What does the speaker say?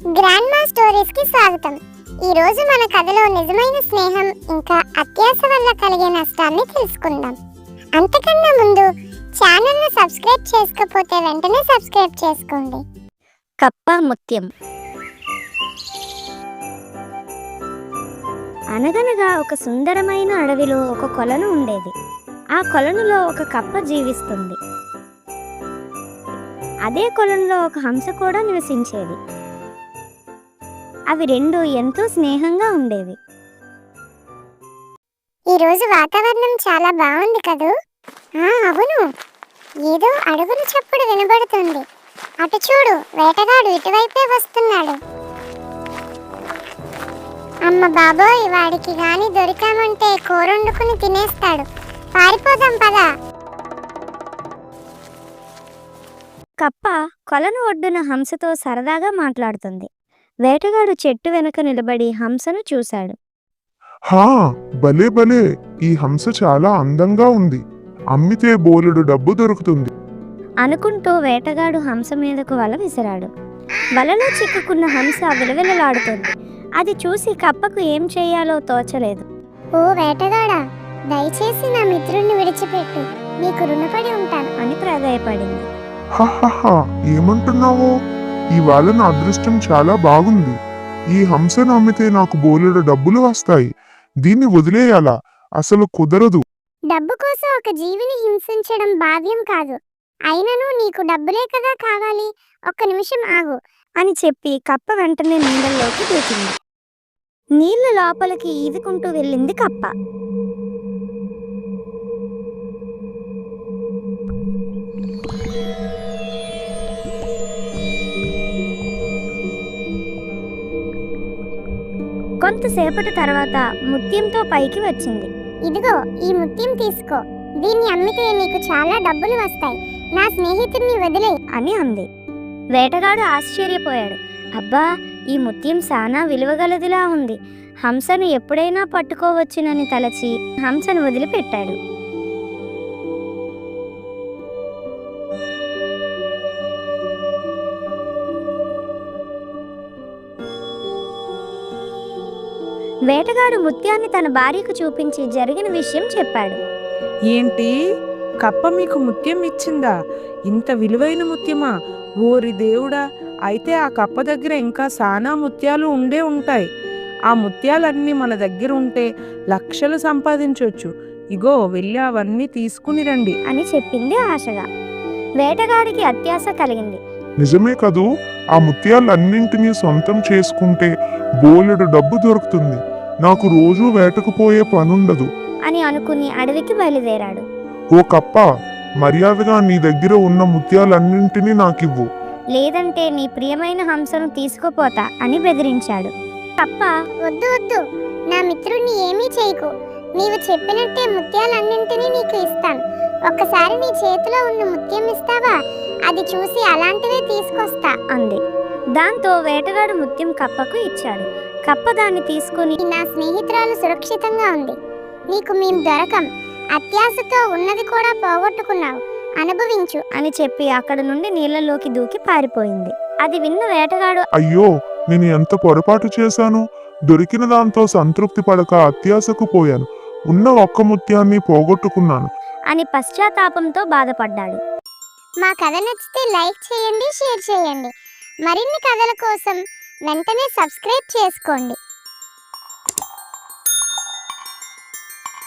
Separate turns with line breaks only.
Grand మా stories కి స్వాగతం. ఈ రోజు మన కథలో నిజమైన స్నేహం ఇంకా అత్యాశ వల్ల కలిగే నష్టాన్ని తెలుసుకుందాం. అంతకన్నా ముందు ఛానల్ ను సబ్స్క్రైబ్ చేసుకోకపోతే వెంటనే సబ్స్క్రైబ్ చేసుకోండి.
కప్ప ముత్యం. అనగనగా ఒక సుందరమైన అడవిలో ఒక కొలను ఉండేది. ఆ కొలనులో ఒక కప్ప జీవిస్తుంది. అదే కొలనులో ఒక హంస కూడా నివసించేది. అవి రెండు ఎంతో స్నేహంగా ఉండేవి.
ఈ రోజు వాతావరణం చాలా బాగుంది కదూ? అవును, ఏదో అడుగుల చప్పుడు వినబడుతుంది. అటు చూడు, వేటగాడు ఇటువైపే వస్తున్నాడు. అమ్మ బాబోయ్, వాడికి గాని దొరికామంటే కూరొండుకుని తినేస్తాడు. పారిపోదాం పదా.
కప్ప కొలను ఒడ్డున హంసతో సరదాగా మాట్లాడుతుంది. వేటగాడు చెట్టు వెనక నిలబడి హంసను చూశాడు.
భలే భలే, ఈ హంస చాలా అందంగా ఉంది. అమ్మితే బోలెడు డబ్బు దొరుకుతుంది
అనుకుంటూ వేటగాడు హంస మీదకు వల విసిరాడు. వలలో చిక్కుకున్న హంస విలవిలలాడుతుంది. అది చూసి కప్పకు ఏం చేయాలో తోచలేదు.
ఓ వేటగాడా, దయచేసి నా మిత్రుణ్ణి విడిచిపెట్టు, నీకు రుణపడి ఉంటాను
అని ప్రాధేయపడింది.
ఏమంటున్నావు? ఇవాళ నా అదృష్టం చాలా బాగుంది. ఈ హంసను అమ్మితే నాకు బోలెడు డబ్బులు వస్తాయి. దీన్ని వదిలేయాలా? అసలు కుదరదు.
డబ్బు కోసం ఒక జీవిని హింసించడం భావ్యం కాదు. అయినను నీకు డబ్బులే కదా కావాలి, ఒక్క నిమిషం ఆగు
అని చెప్పి కప్ప వెంటనే నీళ్ళలోకి దూకింది. నీళ్ల లోపలికి ఈదుకుంటూ వెళ్ళింది కప్ప. కొంతసేపటి తర్వాత ముత్యంతో పైకి వచ్చింది.
ఇదిగో, ఈ ముత్యం తీసుకో. దీన్ని అమ్మితే నీకు చాలా డబ్బులు వస్తాయి. నా స్నేహితుడిని వదిలే
అని అంది. వేటగాడు ఆశ్చర్యపోయాడు. అబ్బా, ఈ ముత్యం సానా విలువగలదిలా ఉంది. హంసను ఎప్పుడైనా పట్టుకోవచ్చునని తలచి హంసను వదిలిపెట్టాడు. వేటగాడు ముత్యాన్ని తన భార్యకు చూపించి జరిగిన విషయం చెప్పాడు.
ఏంటి, కప్ప మీకు ముత్యం ఇచ్చిందా? ఇంత విలువైన ముత్యమా? ఓరి దేవుడా! అయితే ఆ కప్ప దగ్గర ఇంకా సానా ముత్యాలు ఉండే ఉంటాయి. ఆ ముత్యాలన్నీ మన దగ్గర ఉంటే లక్షలు సంపాదించవచ్చు. ఇగో, వెళ్ళి అవన్నీ తీసుకుని రండి
అని చెప్పింది ఆశగా. వేటగాడికి అత్యాశ కలిగింది.
నిజమే కదూ, ఆ ముత్యాలన్నింటినీ సొంతం చేసుకుంటే బోలెడు డబ్బు దొరుకుతుంది. నాకు రోజూ వేటకు పోయే పనుండదు
అని అనుకుని అడవికి బయలుదేరాడు.
ఓ కప్ప, మర్యాదగా నీ దగ్గర ఉన్న ముత్యాలన్నింటినీ నాకివ్వు,
లేదంటే నీ ప్రియమైన హంసను తీసుకుపోతా అని బెదిరించాడు. కప్ప,
వద్దు వద్దు, నా మిత్రుణ్ణి ఏమీ చేయకు. నీవు చెప్పినట్టే ముత్యాలన్నింటినీ నీకు ఇస్తాను. ఒక్కసారి నీ చేతిలో ఉన్న ముత్యం ఇస్తావా? అది చూసి అలాంటివే తీసుకొస్తా
అంది. దాంతో వేటగాడు ముత్యం కప్పకు ఇచ్చాడు. కప్ప దాన్ని తీసుకుని,
నా స్నేహితురాలు సురక్షితంగా ఉంది. నీకు మేం దొరకం. అత్యాశతో ఉన్నది కూడా పోగొట్టుకున్నావు, అనుభవించు
అని చెప్పి అక్కడ నుండి నీళ్లలోకి దూకి పారిపోయింది. అది విన్న వేటగాడు,
అయ్యో, నేను ఎంత పొరపాటు చేశాను. దొరికిన దాంతో సంతృప్తి పడక అత్యాశకు పోయాను. ఉన్న ఒక్క ముత్యాన్ని పోగొట్టుకున్నాను
అని పశ్చాత్తాపంతో బాధపడ్డాడు.
మా కథ నచ్చితే లైక్ చేయండి, షేర్ చేయండి. మరిన్ని కథల కోసం వెంటనే సబ్స్క్రైబ్ చేసుకోండి.